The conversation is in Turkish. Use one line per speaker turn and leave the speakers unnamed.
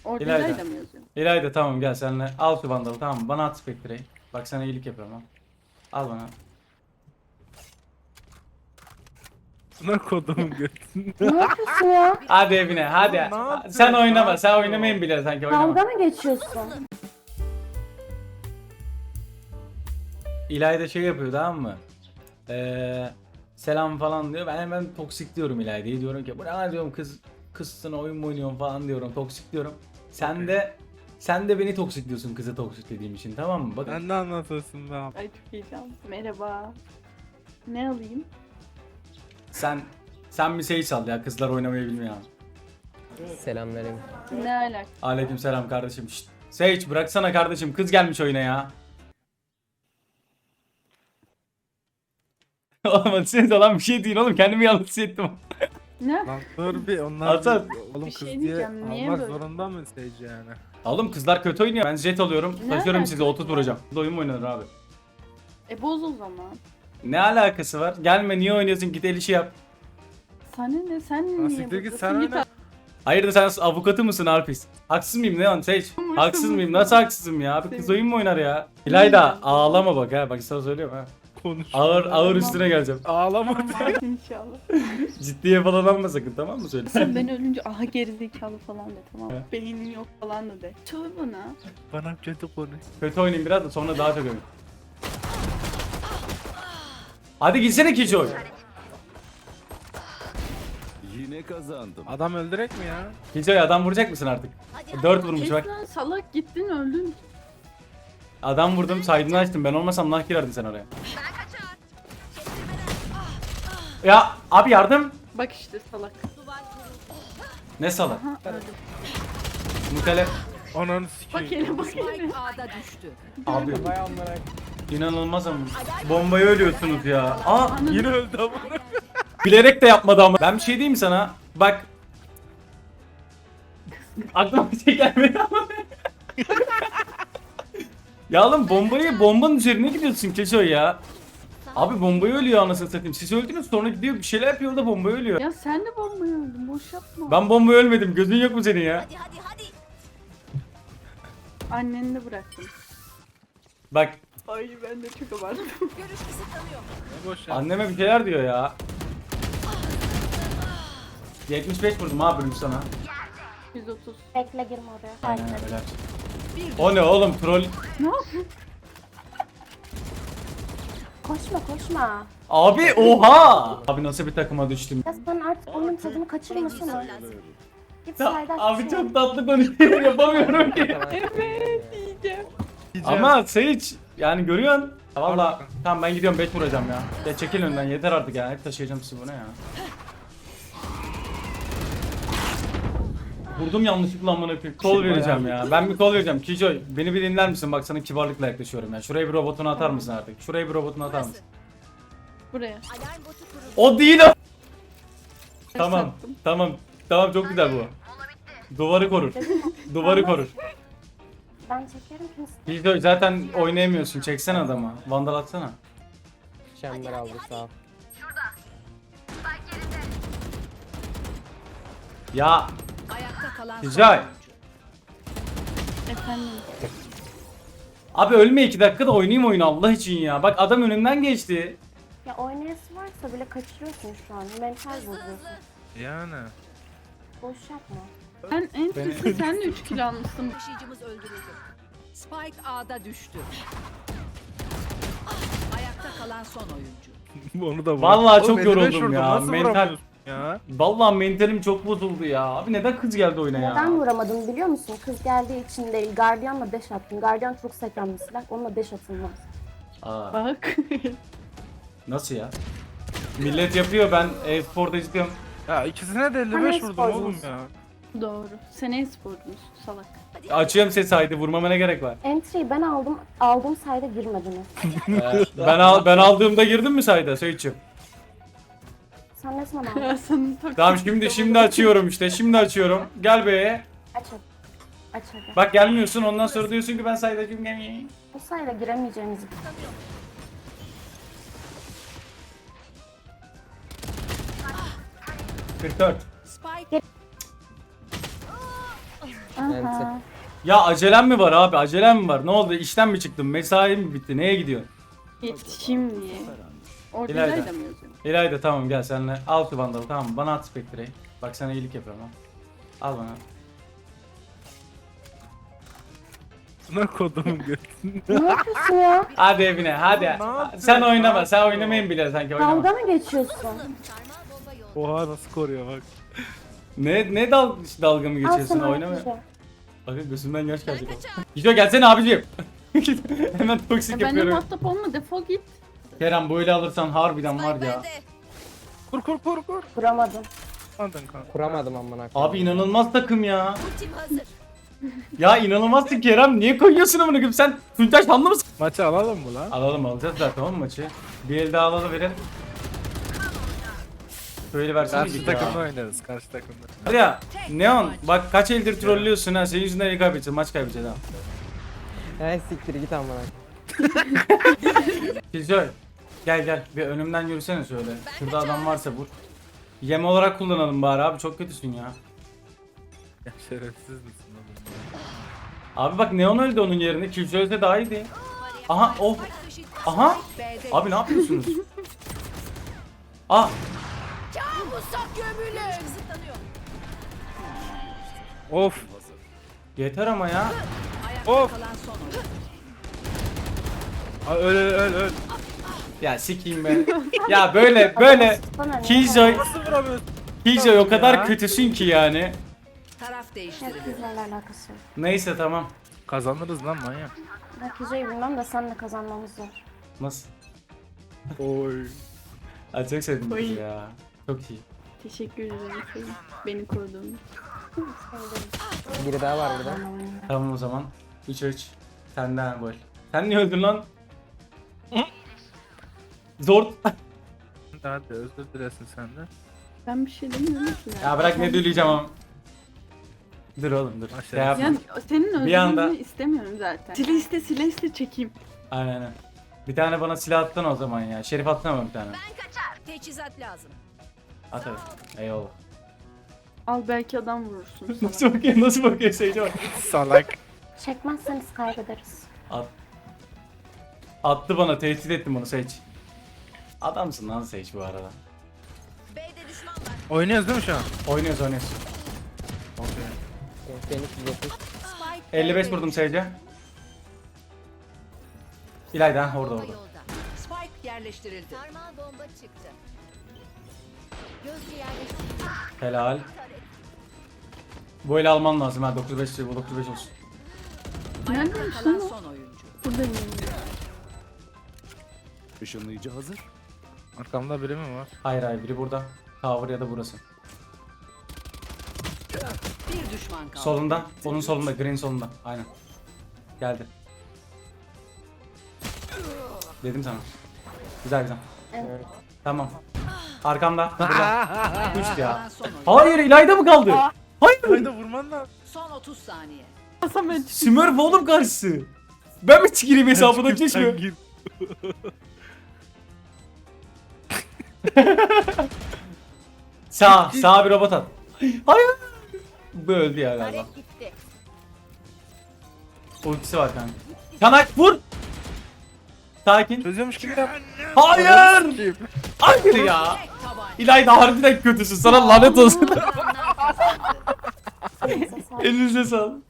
Orada
İlayda.
İlayda mı yazıyor?
İlayda tamam gel seninle. Al şu vandalı tamam mı? Bana at Spectre'yi. Bak sana iyilik yapıyorum ha. Al bana.
Buna kodumun götünde.
Ne yapıyorsun ya?
Hadi evine hadi.
Ne yapıyorsun?
Sen oynama.
Ne
Sen
yapıyorsun?
oynamayın bile sanki oynama.
Dalga mı geçiyorsun?
İlayda şey yapıyor tamam mı? Selam falan diyor. Ben hemen toksik diyorum İlayda'ya. Diyorum ki bu ne lan diyorum kızsın oyun mu oynuyorsun falan diyorum. Toksik diyorum. Sen de beni toksik diyorsun kızı toksik dediğim için tamam mı? Bakın.
Ben de anlatırsın be abi.
Ay çok heyecanlı. Merhaba. Ne alayım?
Sen bir şey sal ya kızlar oynamayı bilmiyor.
Selamlarım.
Ne alaka?
Aleykümselam kardeşim. Şşt. Sage bıraksana kardeşim kız gelmiş oyuna ya. Oğlum hadi olan bir şey değil oğlum kendimi yalnız hissettim.
Ne?
Lan dur bir onlar
Hasan.
oğlum
Bir
kız
şey
diye
diyeceğim, niye
almak
böyle?
zorunda mı Sage yani?
Oğlum kızlar kötü oynuyor. Ben jet alıyorum.
Ne
Taşıyorum
alaka?
size 30 vuracağım. Bu da oyun mu oynanır abi?
Boz o zaman.
Ne alakası var? Gelme niye oynuyorsun git el işi yap.
Sana ne? Sen
Lan
niye
siktir git,
buradasın?
sen
Git
oyna.
Hayırdır sen avukatı mısın Alpis? Haksız mıyım ne lan Sage? Haksız mıyım? Nasıl haksızım ya? Abi kız oyun mu oynar ya? İlayda ağlama bak ha. Bak sana söylüyorum ha.
Konuş.
Ağır üstüne geleceğim.
Ağlama diye.
İnşallah.
Ciddiye falan alma sakın tamam mı söyle?
Sen ben ölünce aha gerizekalı falan de tamam mı?
He.
Beynin yok falan da de. Söyle bana.
Bana kötü konuş.
Kötü oynayayım biraz da sonra daha çok oynayayım. Hadi gitsene Kijoy.
Yine kazandım.
Adam öldürek mi ya?
Kijoy adam vuracak mısın artık? 4 vurmuş
Kes
bak.
lan salak gittin öldün.
Adam vurdum saydını açtım. Ben olmasam nah girerdin sen oraya. Ya abi yardım.
Bak işte salak.
Ne salak.
Aha öldüm.
Mutele.
Ananı
Bak
sikeyim.
hele bak hele.
A'da düştü.
Abi inanılmaz ama. Bombaya ölüyorsunuz ya. Aa
Yine öldü ama.
bilerek de yapmadı ama. Ben bir şey diyeyim mi sana? Bak. Aklıma bir şey gelmedi ama. Ya oğlum bombanın üzerine gidiyorsun Keşoy ya. Abi bombayı ölüyor anasını satayım. Siz öldünüz sonra gidiyor bir şeyler yapıyor da bombayı ölüyor.
Ya sen de bombayı öldün boş yapma.
Ben bombayı ölmedim. Gözün yok mu senin ya?
Hadi.
Anneni de bıraktım.
Bak
Ay ben de çok abarttım.
Görüş kısıtlanıyor.
Ne boş ya.
anneme bir şeyler diyor ya. 75 vurdum abi bölüm sana.
130.
Bekle girme oraya.
Aynen
Hayır.
öyle. O ne oğlum troll.
Ne yapıyorsun?
Koşma.
Abi oha. Abi nasıl bir takıma düştüm.
Ya sen artık oyunun tadını kaçırmasana. Git
Ya,
sayda
abi çok tatlı konuşuyor yapamıyorum ki.
Evet diyeceğim.
Ama Sage yani görüyorsun. Valla tamam ben gidiyorum 5 vuracağım ya. Ya çekil önden yeter artık ya. Hep taşıyacağım sizi bu ne ya. Vurdum yanlışlıkla amına koyayım. Kol vereceğim ya. Ben bir kol vereceğim. Kijoy beni bir dinler misin? Bak sana kibarlıkla yaklaşıyorum ya. Şuraya bir robotunu atar mısın artık? Şuraya bir robotunu atar mısın?
Buraya.
Alarm botu kuruldu.
O değil o. Tamam.
Sattım.
Tamam çok güzel bu. Duvarı korur. Duvarı korur.
Ben çekerim kimse.
Kijoy zaten oynayamıyorsun. Çeksene adamı. Vandal atsana.
Şember aldı sağ ol.
Ya
Ayakta kalan son
Güzel.
oyuncu.
Efendim.
abi ölme 2 dakikada oynayayım oyunu Allah için ya. Bak adam önümden geçti.
Ya oynayası varsa bile kaçırıyorsun şu an. Mental bozuyorsun.
Yani.
Boş yapma.
Ben en kötü sen de 3 kilo almışsın.
Taşıyıcımız öldürüldü. Spike A'da düştü. Ayakta kalan son oyuncu.
Onu da vur.
Vallahi
Oğlum,
çok
55
yoruldum
vurdum,
ya.
nasıl
Mental.
vuramıyorsun ya.
Vallahi mentalim çok bozuldu ya. Abi neden kız geldi oyuna ya?
Neden vuramadın biliyor musun? Kız geldiği için değil. Guardian'la dash attın. Guardian çok sekren bir silah. Onunla dash atılmaz.
Aa,
Bak.
nasıl ya? Millet yapıyor ben e-sporda izliyorum.
Ya ikisine de 55
Hani
vurdum oğlum
sporcumuz.
ya.
Doğru. Seneye sporcunuz salak.
Açıyorum ses haydi vurmama ne gerek var?
Entry'yi ben aldım. Aldığım sayede girmediniz.
Ben aldığımda girdim mi sayda Söğütçüm?
Sen ne zaman aldın?
Ya sen çok
Tamam şimdi açıyorum işte şimdi açıyorum. Gel be.
Aç hadi. Aç hadi.
Bak gelmiyorsun ondan sonra diyorsun ki ben saydacığım gelmeyeyim.
Bu sayede giremeyeceğimizi
44.
Spike
Aha.
Ya acelem mi var abi? Acelem mi var? Ne oldu? İşten mi çıktın? Mesai mi bitti? Neye gidiyorsun?
Yetişeyim diye. Orada
İlayda.
İlayda mı yazıyor?
İlayda tamam gel senle. Al şu vandalı tamam mı? Bana at Spectre'yi. Bak sana iyilik yapıyorum ha. Al bana.
Buna kodumun götünü.
Ne yapıyorsun ya?
Hadi evine hadi.
yapıyorsun?
Sen oynama.
Ne
Sen
yapıyorsun?
oynamayın bile sanki oynama.
Dalga mı geçiyorsun?
Oha nasıl koruyor bak.
Ne dalga mı
Al
geçiyorsun
sana
oynama.
Hatice.
Bakın gözümden yaş gelecek. Gidiyor gelsene abiciğim. Hemen toksik
Ya benimle
yapıyorum.
muhatap olma, defol git.
Kerem böyle alırsan harbiden var ya.
Kur.
Kuramadım.
Aldın kanka.
Kuramadım amına koyayım.
Abi inanılmaz takım ya. Ya inanılmazsın Kerem. Niye koyuyorsun amına koyayım? Sen Tuntaş Hanlı mısın?
Maçı alalım mı lan?
Alalım alacağız zaten tamam mı maçı? Bir el daha alalım verelim. Böyle versene
Karşı
git ya.
takımda oynarız. Karşı takımda.
Hadi ya Neon bak kaç eldir trollüyorsun ha. Senin yüzünden el kaybedeceğiz. Maç kaybedeceğiz ha.
Hey siktir git amına.
Killjoy gel bir önümden yürüsene şöyle. Şurada adam varsa vur. Yem olarak kullanalım bari abi çok kötüsün ya.
Ya şerefsiz misin oğlum?
Abi bak Neon öldü onun yerine. Killjoy ölse daha iyiydi. Aha oh. Aha. Abi ne yapıyorsunuz? Ah.
Of.
Yeter ama ya.
Of.
Kalan son oyuncu.
Aa, öl.
Ya sikeyim be. Ya böyle
Bana ne?
Killjoy
Nasıl vuramıyorsun?
Killjoy o kadar
Ya.
kötüsün ki yani.
Taraf değiştirildi.
Kızlarla alakası yok.
Neyse tamam.
Kazanırız lan manyak.
Hatice'yi bilmem de senle kazanmamız zor.
Nasıl?
Oy.
Ay çok sevdim
Oy.
kızı ya. Çok iyi.
Teşekkür ederim senin. Beni koruduğun.
Biri daha var burada.
Tamam o zaman. 3-3. Senden gol. Sen niye öldün lan? Zor.
Hadi özür dilesin sen de.
Ben bir şey demiyorum ki ya.
Ya bırak ne düleyeceğim ama. Dur oğlum dur.
Aşağı.
Şey yapma.
Yani senin
Bir
özgürlüğünü
anda-
istemiyorum zaten. Sile iste çekeyim.
Aynen. Bir tane bana silah atsana o zaman ya. Şerif atsana bana bir tane.
Teçhizat lazım.
At hadi. Eyvallah.
Al belki adam vurursun sana.
Nasıl bakıyor? Nasıl bakıyor Seyirci bak.
Salak.
Çekmezseniz kaybederiz.
Attı bana tehdit ettim bunu Sage. Adamsın lan Sage bu arada.
B'de düşman var.
Oynuyoruz değil mi şu an?
Oynuyoruz. Okay.
Phoenix 170.
Spike
55 vurdum Sage'e. İlayda orada.
Yolda. Spike yerleştirildi. Sarmal bomba çıktı. Gözcü yerleştirildi.
Helal. Bu eli alman lazım ha 95 bu 95 olsun.
Ayakta
Neredeymiş
kalan
lan o?
son oyuncu.
Buradayım.
Işınlayıcı hazır.
Arkamda biri mi var?
Hayır biri burada. Tower ya da burası.
Bir düşman kaldı.
Solunda. Onun solunda. Green solunda. Aynen. Geldi. Dedim sana. Güzel.
Evet.
Tamam. Arkamda. Burada. Uçtu ya.
Kalan son oyuncu.
Hayır İlayda mı kaldı? Hayır.
Hayda vurman lazım.
Son 30 saniye.
Samet.
Smurf oğlum karşısı. Ben mi gireyim hesabına geçme.
Gir.
Sağ bir robot at. Hayır. Bu öldü ya galiba.
gitti.
Ultisi var kanka. Çanak vur. Sakin.
Çözüyormuş gibi yap.
Hayır. Hayır ya.
Tek tabanca.
İlayda harbiden kötüsün. Sana lanet olsun.
Neyse, sağ ol.
Elinize sağlık.